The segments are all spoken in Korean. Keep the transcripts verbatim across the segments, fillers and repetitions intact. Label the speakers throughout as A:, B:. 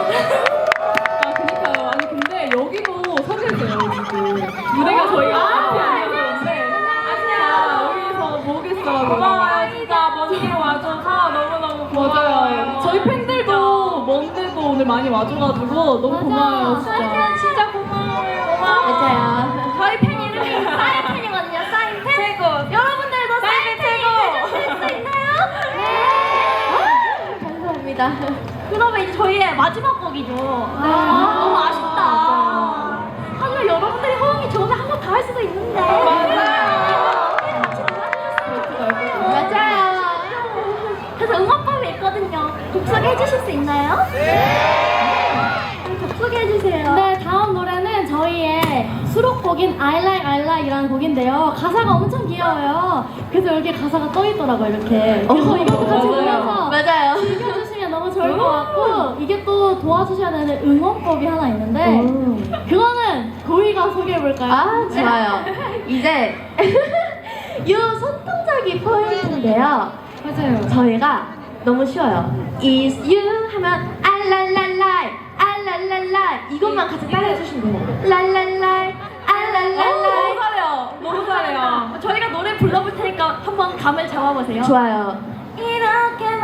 A: 아 그니까요. 아니 근데 여기도 서 계세요 지금. 무대가 저희가 앞이 아니었는데 아 여기서 보겠어.
B: 고마워요 진짜 먼 길 와줘서 너무너무 고마워요.
A: 맞아요. 저희 팬들도 먼데도 오늘 많이 와줘가지고 너무
C: 맞아.
A: 고마워요 진짜.
B: 진짜 고마워요. 고마워요.
C: 맞아요. 저희 팬 이름이 사인팬이거든요. 사인팬.
B: 최고.
C: 여러분들도
B: 사인팬
C: 사인팬 해주실 수 있나요? 네. 감사합니다. 그러면 이제 저희의 마지막 곡이죠. 아, 너무 아쉽다. 하지만 여러분들이 호응이 좋으면 한 번 더 할 수도 있는데.
B: 맞아요.
C: 맞아요. 그래서 응원법이 있거든요. 곡 소개해 주실 수 있나요? 네. 곡 소개해 주세요.
D: 네, 다음 노래는 저희의 수록곡인 I Like I Like이라는 곡인데요. 가사가 엄청 귀여워요. 그래서 여기 가사가 떠 있더라고요, 이렇게. 그래서 이것도 같이 보면서
C: 맞아요.
D: 즐겨주시면 너무 좋을 것 같고, 이게 또 도와주셔야 되는 응원법이 하나 있는데, 그거는 도희가 소개해 볼까요?
C: 아, 좋아요. 이제 이 손동작이 포인트인데요.
D: 맞아요.
C: 저희가 너무 쉬워요. Is you 하면 알랄랄라이 알랄랄라이 이것만 같이 따라해 주시면 돼요. 랄랄라이 알랄랄라이.
B: 너무 잘해요. 너무 잘해요.
C: 저희가 노래 불러볼 테니까 한번 감을 잡아보세요. 좋아요. 이렇게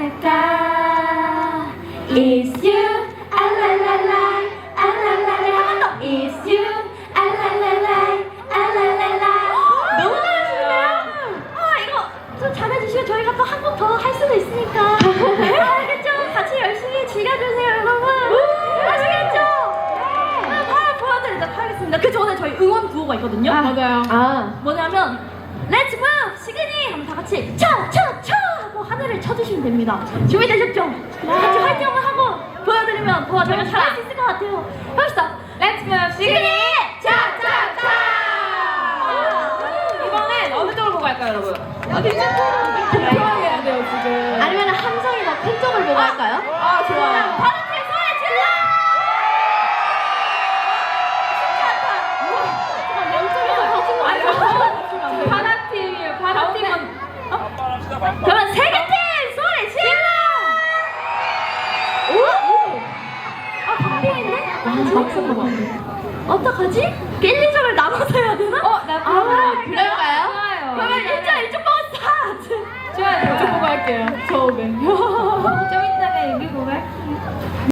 C: 말할까 Is you 알랄랄라이 알랄랄라이 한 번 더 Is you 알랄랄라이 알랄랄라이. 너무 잘하시는데요? 아 이거 좀 잘해주시면 저희가 또 한 곡 더 할 수도 있으니까. 알겠죠? 같이 열심히 즐겨주세요 여러분. 아시겠죠? 네. 바로 보여드리도록 하겠습니다. 그 전에 저희 응원 구호가 있거든요.
A: 맞아요.
C: 아 뭐냐면 Let's move! 시그니! 하면 다 같이 차! 차! 차! 하고 하늘을 쳐주시면 됩니다. 준비되셨죠? 같이 활동을 하고 보여드리면 더 저희가 잘할 수 있을 것 같아요. 합시다.
B: Let's move 시그니
C: 차! 차! 차!
B: 이번엔 어느 쪽을 보고 할까요 여러분?
A: 공평하게 해야 돼요 지금.
C: 아니면 함성이나 팬 쪽을 보고 할까요?
A: 아 좋아요.
C: 바람팀 소리 질러!
B: 파라팀이에요. 파라팀은
C: 그러면 세계팀 소리 질러! 오! 아 바뀌어있네? 어떡하지? 일, 이 점을 나눠서 해야 되나?
B: 어, 나
C: 아,
B: 그럴까요?
C: 그럴까요?
B: 좋아요.
C: 그러면 일 점, 일 점 먹었어!
B: 좋아요.
A: 저 보고 할게요. 처음에.